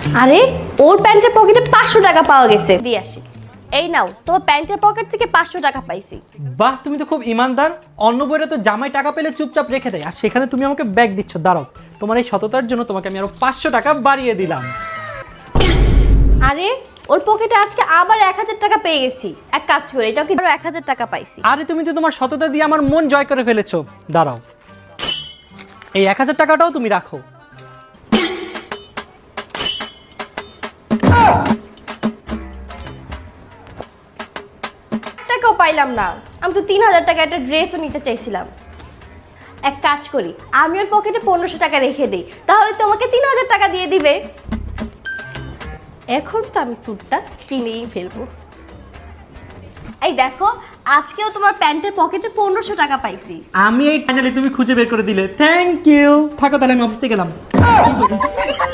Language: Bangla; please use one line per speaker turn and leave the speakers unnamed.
আরে ওর প্যান্টের পকেটে 500 টাকা পাওয়া গেছে, দিয়ে আসি। এই নাও, তোমার প্যান্টের পকেট থেকে 500 টাকা পাইছি।
বাহ, তুমি তো খুব ইমানদার। অন্য বইরা তো জামাই টাকা পেলে চুপচাপ রেখে দেয়, আর সেখানে তুমি আমাকে ব্যাগ দিচ্ছ। দাঁড়াও, তোমার এই সততার জন্য তোমাকে আমি আরো 500 টাকা বাড়িয়ে দিলাম।
আরে ওর পকেটে আজকে আবার 1000 টাকা পেয়ে গেছি। এক কাজ করে এটাও কি আরো 1000 টাকা পাইছি।
আরে তুমি তো তোমার সততা দিয়ে আমার মন জয় করে ফেলেছো। দাঁড়াও, এই 1000 টাকাটাও তুমি রাখো।
টাকাও পাইলাম না। আমি তো 3000 টাকা একটা ড্রেসও নিতে চাইছিলাম। এক কাজ করি, আমি ওর পকেটে 1500 টাকা রেখে দিই, তাহলে তোমাকে 3000 টাকা দিয়ে দিবে। এখন তো আমি স্যুটটা কিনেই ফেলবো। এই দেখো, আজকেও তোমার প্যান্টের পকেটে 1500 টাকা পাইছি।
আমি এই ফাইনালি তুমি খুঁজে বের করে দিলে, থ্যাংক ইউ। থাকো তাহলে, আমি অফিসে গেলাম।